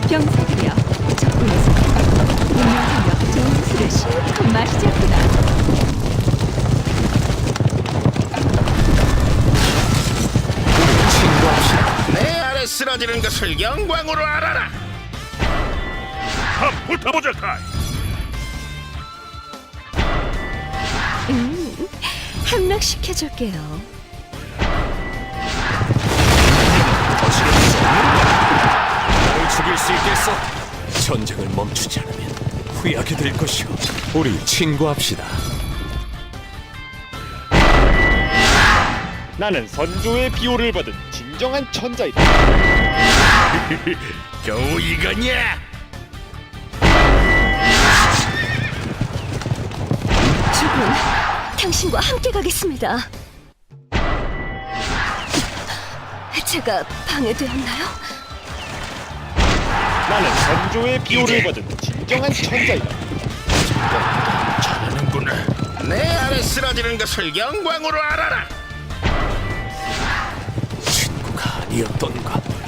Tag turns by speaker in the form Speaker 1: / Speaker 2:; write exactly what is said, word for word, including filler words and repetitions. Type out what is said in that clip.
Speaker 1: 병사들이여, 적군에서 운명하며 좋은 술을 실컷 마시자꾸나.
Speaker 2: 친구합시다.
Speaker 3: 내 아래 쓰러지는 것을 영광으로 알아라.
Speaker 4: 한 붙어보자, 카이.
Speaker 1: 음, 함락시켜줄게요.
Speaker 2: 나를 죽일 수 있겠어? 전쟁을 멈추지 않으면 후회하게 될 것이오. 우리 친구합시다.
Speaker 5: 나는 선조의 비호를 받은 진정한 천자이다.
Speaker 3: 겨우 이거냐?
Speaker 1: 주군, 당신과 함께 가겠습니다. 제가 방해되었나요?
Speaker 5: 나는 선조의 비호를 받은 진정한 천자이다.
Speaker 3: 잘하는구나. 내 아래 쓰러지는 것을 영광으로 알아라.
Speaker 2: 친구가 아니었던가.